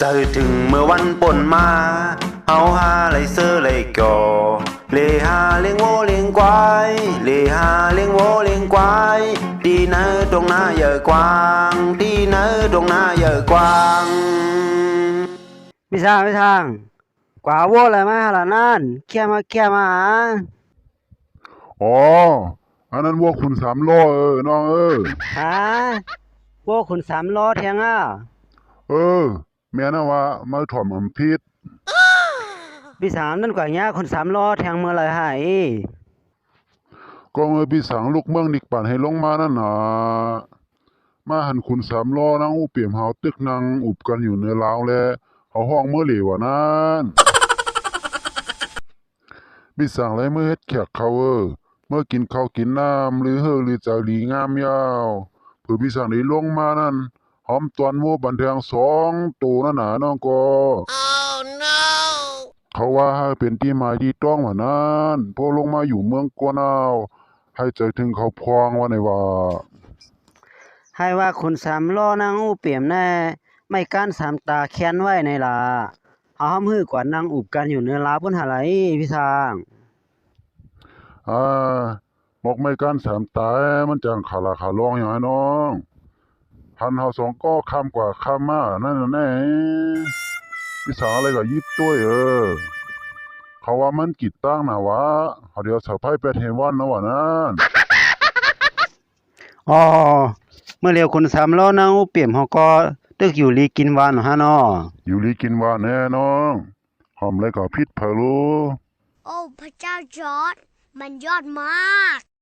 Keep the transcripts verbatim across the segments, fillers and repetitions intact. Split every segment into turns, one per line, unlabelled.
จะถึงเมื่อวันปนมาเฮาหาไหลเสื้อไหลก่อเลหาเลี้ยงโวเลี้ยงควายเลหาเลี้ยงโวเลี้ยงควายที่ไหนตรงหน้าเยอะกว้างที่ไหนตรงหน้าเยอะกว้าง
ไม่ทางไม่ทางกว่าวัวอะไรมาล่ะนั่นแค่มาแค่มาหา
อ๋ออันนั้นวัวขุนสามล้อเออน้องเออ
หาวัวขุนสามล้อแทงอ่ะ
เออแม่นะว่ามาถ่อมอำพิษ
พี่สามนั่นกว่าเนี้ยขุนสามล้อแทงเมื่อไรหาย
ก็เมื่อพี่สังลูกเมืองนิกปั่นให้ลงมานั่นน่ะมาหันขุนสามล้อนางอูเปี่ยมเฮาตึกนางอุบกันอยู่เนื้อลาวแลเขาห้องเมื่อเหลวนั้นพี่สั่งไรเมื่อเฮ็ดแขกเขาเออเมื่อกินข้าวกินน้ำหรือเฮอหรือใจหลีงามยาวเผื่อพี่สั่งได้ลงมานั่นหอมตอนโมบันเทิงสองตัวนั่นน่ะน้องก็ oh, no. เขาว่าให้เป็นที่หมายที่ต้องว่านั้นพอลงมาอยู่เมืองกวนเอาให้ใจถึงเขาพองว่าในว่า
ให้ว่าขุนสามล้อนางอูเปี่ยมแน่ไม่ก้านสามตาแค้นไว้ในล่ะเอาห้ามหื้อกว่านางอุบกันอยู่เนื้อลาพุ่นหาไรพี่สาง
อ่าบอกไม่กันสามตายมันจังขาลาขาลองอย่างไอ้น้องพันเฮาสองก็คำกว่าคำมานั่นน่ะแน่พี่สาวอะไรก็ยิบตัวเออเขาว่ามันกิดตั้งนะวะเขาเดี๋ยวสะพายเป็ดเฮวันนะวะนั่น
อ๋อเมื่อเร็วขุนสามล้อนางอูเปี่ยมเขาก็ตึกอยู่ลีกินวานฮะเนาะ
อยู่ลีกินว่าแน่น้องหอมเลยก็พิษเพลู
โอ้พระเจ้าจอร์จมันยอดมาก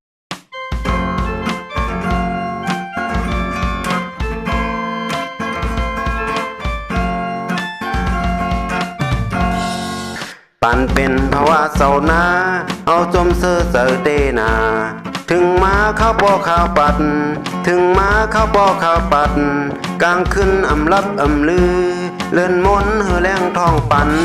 ปันเป็นภาวะเศร้าหน้าเอาจมเสือเสือเตนาถึงมาข้าวปอข้าวปัดถึงมาข้าวปอข้าวปัดกลางขึ้นอำลับอำลือเลื่อนมนเฮือแรงทองปัน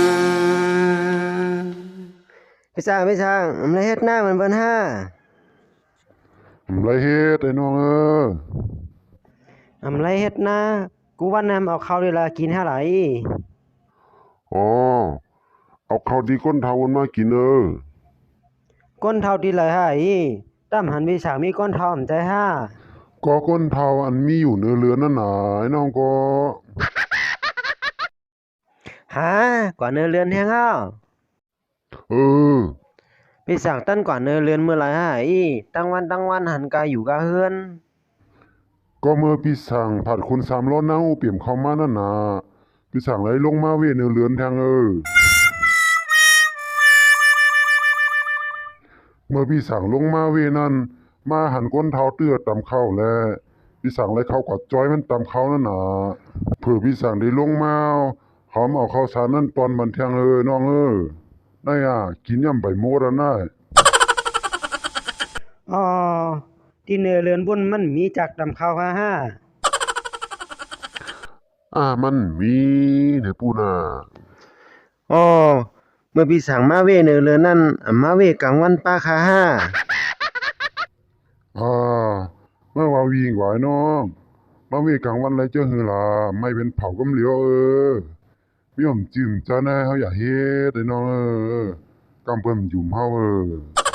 พี่สางพี่สางอำไรเฮ็ดหน้ามันเบิ่นห้า
อำไรเฮ็ดไอ้น้องเออ
อำไรเฮ็ดหน้ากูว่านำเอาข้าวเวลากินหาไหล
อ๋อเอาข้าวดีก้นเทาวนมากินเออ
ก้นเท่าที่ไหลหายตั้มหันพี่สางมีก้นเท่าอำใจห้า
ก็ก้นเทาอันมีอยู่เนื้อเรือนนั่นน่ะไอ้น้องก็
หากว่าเนื้อเรือนแฮงอ้าว
เออ
พี่สางตั้นกว่าเนื้อเรือนเมื่อไหร่หายตั้งวันตั้งวันหันกายอยู่กะเฮือน
ก็เมื่อพี่สั่งผัดคนสามล้อนั่งอูเปี่ยมเข้ามานั่นน่ะพี่สั่งไหลลงมาเวเนื้อเรือนทางเออเมื่อพี่สั่งลงมาเวนั่นมาหันก้นเท้าเตื้อตำเข้าแล้วพี่สั่งไหลเข้ากับจ้อยมันตำเข้านั่นน่ะเผื่อพี่สั่งได้ลงมาหอมเอาข้าวสารนั่นตอนบันเทิงเออน้องเออได้อ่ะกินย่ำใบโมดอ่ะน่ะ
อ๋อที่เนื้อเรือนบนมันมีจากตำข้าวห้าห้า
อ่ามันมีเด้อปูน่ะ
อ๋อเมื่อพี่สั่งมาเวเนื้อเรือนนั่นอ่ำมาเวกลางวันป้าคาห้า
อ่าเมื่อวาวิ่งไหวน้องมาเวกลางวันไรเจ้าหือล่ะไม่เป็นเผากำเหลียวเออมีหอมจิ้มจ้าแน่เฮาอย่าเฮ็ดไอ้น้องเออกำเพิ่มยุ่มเฮาเออ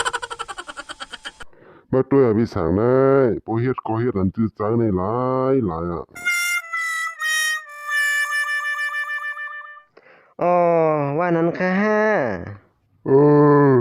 บ่ตัวพี่สั่งได้บ่เฮ็ดก็เฮ็ดอันจื้อจังในหลายหลายอ่ะ
อ๋อว่านั้นค่ะห้า
เออ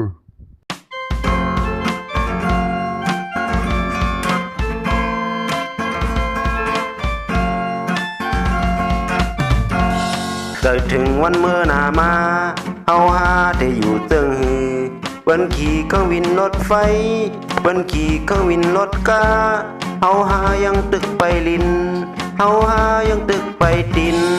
จะถึงวันเมื่อหนามาเฮาหาได้อยู่เติงหือเปิ้นขี่เครื่องวินรถไฟเปิ้นขี่เครื่องวินรถกาเฮาหายังตึกไปลินเฮาหายังตึกไปดิน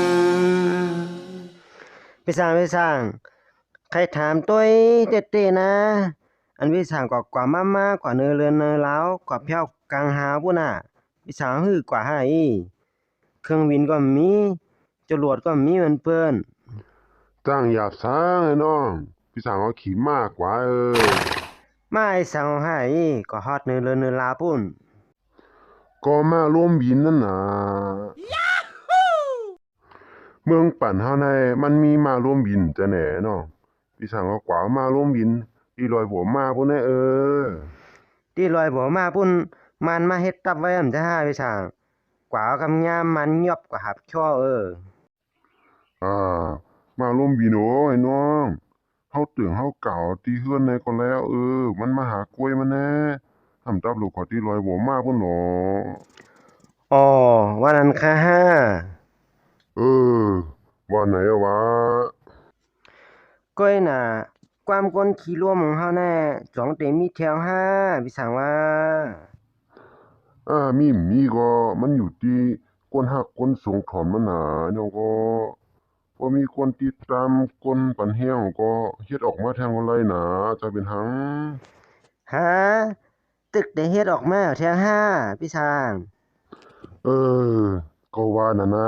พี่สั่งพี่สั่งใครถามตัวเต้เต้นะอันพี่สั่งกว่ากว่ามาม่ากว่าเนื้อเรือนเนื้อเล้ากว่าเพี้ยวกลางหาปุ่นน่ะพี่สั่งฮือกว่าให้เครื่องบินก็มีจรวดก็มีเหมือนเปิ้น
จ้างหยาบซางไอ้น้องพี่สั่งเอาขี่มากกว่าเออ
มาไอ้สั่งให้ก็ฮอดเนื้อเรือนเนื้อลาปุ่น
ก็มาร่วมบินนั่นน่ะเมืองปั่นเฮาในมันมีมาร่วมบินจะแหน่เนาะพี่สั่งว่ากว่ามาร่วมบินที่ลอยหัวมาพุ่นแน่เออ
ที่ลอยบ่มาพุ่นมันมาเฮ็ดตับไว้อำจะหาพี่ช่างกว่าเอากำยามมันยอบกว่าหับช่อเออ
อ่ามาร่วมบินโอ้ไอ้น้องเฮาตึงเฮาเก่าที่เฮือนในก็แล้วเออมันมาหากล้วยมันแน่ทำตับลูกขอที่ลอยหัวมาพุ่นหนอ
อ๋อว่านั้นค่ะห้า
เออว่าไหนอะวะ
ก้อยน่ะความก้นขี้ร่วมของเฮาแน่จ้องเต็มมีแถวห้าพี่สั่งว่า
อ่ามีมีก็มันอยู่ที่คนฮักคนสงถอนมันหนาเนาะก็บ่มีคนติดตามคนปันแฮวก็เฮ็ดออกมาแทงอะไรหนาจะเป็นหัง
ฮะตึกได้เฮ็ดออกมาแถวห้าพี่ช่าง
เออก็ว่าน่ะนะ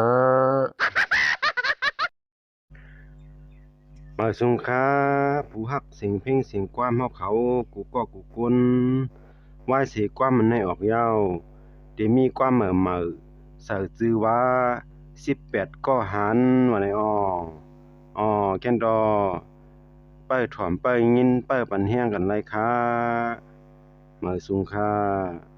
มาสงค้าผู้ฮักเสียงเพลงเสียงความเฮาเขากูก็กูกนว่าเสียความมันให้ออกยาวได้มีความเหม่อเหม่อเสิร์ชชื่อว่าสิบแปดก็หันว่าไหนอ้ออ้อแก่นดอเปิ้นถ่อมเปิ้นยินเปิ้นปันแฮงกันไรคะมาสุงค่า